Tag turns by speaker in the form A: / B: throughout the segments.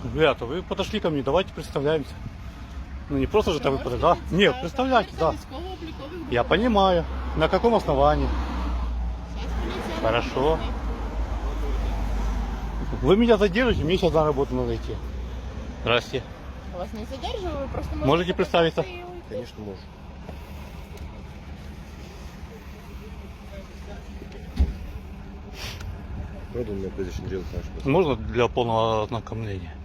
A: Ребята, вы подошли ко мне, давайте представляемся. Ну не просто же так вы да? Нет, представляйте, да. Я понимаю. На каком основании? Хорошо. Вы меня задержите, мне сейчас на работу надо идти. Здрасте.
B: Вас не задерживаю, просто
A: Можете представиться?
C: Конечно, можу. Продан на прізвище Андрій Олександрович.
A: Можно для полного ознакомления?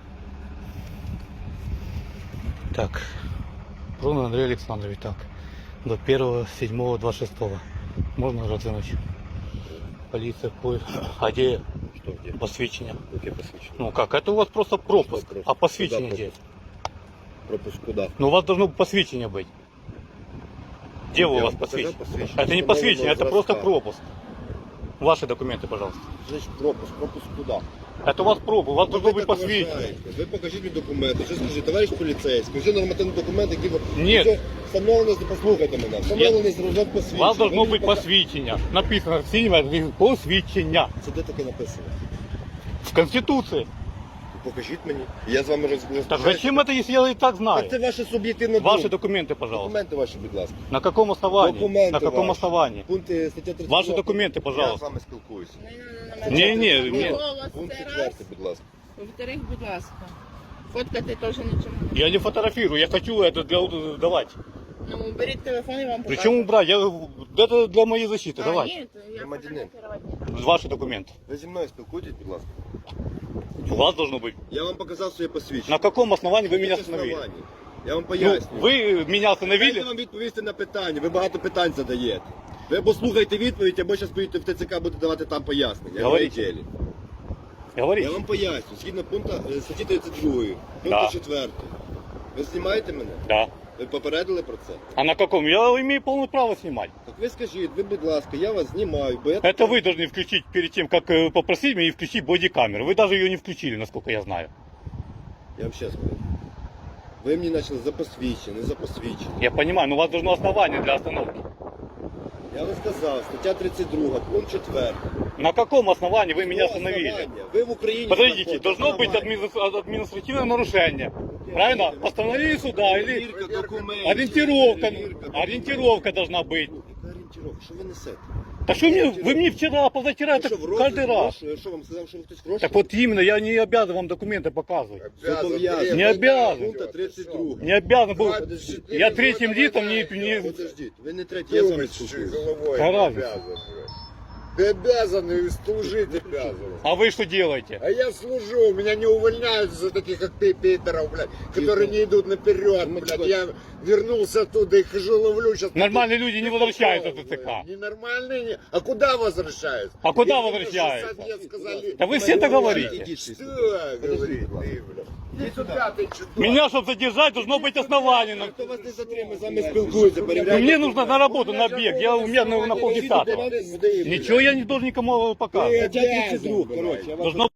A: Так. Продан Андрей Александрович, так. До 1.7.26. Можно развернуть? Полиция ходит. А где
C: Що де?
A: посвящение?
C: Яке посвідчення?
A: Ну как, это у вас просто пропуск.
C: Что пропуск?
A: А посвящение
C: Куда
A: где?
C: Пропуск куди?
A: Ну у вас должно посвящение быть. Где
C: Я
A: у вас
C: вам показал
A: посвящение?
C: посвящение.
A: Это не
C: Установленного
A: посвящение, это просто
C: зразка.
A: пропуск. Ваши документы, пожалуйста.
C: Значить, пропуск куди?
A: Это у вас пропуск, у вас должно быть посвящение.
C: Ви покажіть мені документи. Що скажіть, товариш поліцейський, вже нормативний документ, який ви...
A: Ні.
C: Вже встановлений, послухайте мене, встановлений зразок
A: У
C: посвідчення.
A: вас должно
C: Ви мені
A: быть посвящение. Написано синим посвящение.
C: Це де таке написано?
A: В Конституции.
C: Покажіть мені. Я з вами розповідаю.
A: Так зачем это, если я и так знаю?
C: Це ваша суб'єктивна думка.
A: Ваши документы, пожалуйста.
C: Документи ваші, будь ласка.
A: На каком основании?
C: Документи
A: На каком
C: ваші.
A: основании?
C: Пункти стаття 32.
A: Ваші документи, пожалуйста.
C: Я з вами спілкуюся.
A: Не.
C: Пункт
B: Це
C: 4,
B: раз.
C: будь ласка.
B: Во-вторых, будь ласка. Фоткати теж нічого не
A: Я не фотографирую, я хочу это для давать.
B: Ну, беріть телефон і вам покажу.
A: Причем убрать? Это для моей защиты,
B: А,
A: давай.
B: ні, то я
C: Громадянин.
B: фотографувати не
A: Ваши документы.
C: Ви зі мною спілкуєтесь, будь ласка.
A: У вас должно быть.
C: Я вам показав своє посвідчення.
A: На каком основании вы меня
C: Яке
A: остановили?
C: основання? Я вам
A: Ну,
C: пояснюю.
A: вы меня
C: Дайте
A: остановили?
C: вам відповісти на питання. Ви багато питань задаєте. Ви або слухайте відповідь, або зараз поїдете в ТЦК, будете давати там пояснення.
A: Говорите.
C: Я
A: Говорите.
C: вам поясню. Згідно пункту статті 32, пункту
A: Да.
C: 4. Ви знімаєте мене?
A: Да.
C: Ви попередили про це?
A: А на каком? Я имею полное право снимать.
C: Так ви скажіть, ви, будь ласка, я вас знімаю, бо я...
A: Это вы должны включить перед тем, как попросить меня, и включить бодикамеру. Вы даже ее не включили, насколько я знаю.
C: Я вам ще скажу. Ви мені почали за посвідчення, не за посвідчення.
A: Я понимаю, но у вас должно основание для остановки.
C: Я вам сказав, стаття 32, пункт 4.
A: На каком основании вы меня
C: Що
A: остановили?
C: основання? Ви в Україні...
A: Подождите,
C: знаходитесь.
A: должно быть
C: Основання.
A: административное нарушение. Правильно? Постановили суда или
C: Перевірка документів.
A: ориентировка.
C: Перевірка
A: Ориентировка должна быть.
C: Яка орієнтировка? Що ви несете?
A: Так что вы мне вчера, позавчера,
C: Ви
A: это
C: що, в розі
A: каждый раз.
C: гроші? Я що вам сказав, що ви хтось гроші?
A: Так вот именно, я не обязан вам документы показывать.
C: Зобов'язаний.
A: Не обязан.
C: Пункта 32.
A: Не обязан был.
C: Подождіть.
A: Я третьим лицом не...
C: Подождіть, ви не третій, я з вами спілкуюся.
D: головой
A: Какая
D: не
A: разница?
D: обязан, блядь. Ты обязан и служить обязан.
A: А вы что делаете?
D: А я служу, меня не увольняют за таких, как ты, Питеров, блядь, которые не идут наперед, блядь. Я вернулся оттуда и хожу, ловлю сейчас.
A: Нормальные люди не возвращаются в ТЦК.
D: Ненормальные? А куда возвращаются?
A: А куда
D: Если
A: возвращаются?
D: 60 лет сказали,
A: Да вы все так говорите.
C: Ідіть,
D: что
C: Подожди,
D: говорит
C: будь ласка.
D: ты, блядь? Иди сюда, ты чудак.
A: Меня, чтобы задержать, должно быть основание.
C: Хто вас не затримує, з вами спілкується,
A: Ну,
C: перевіряйте.
A: мне нужно на работу, на объект. У меня на полдесятого.
C: Документи,
A: Ничего я не должен никому показывать.
C: Стаття 32, коротше, я вас
A: Должно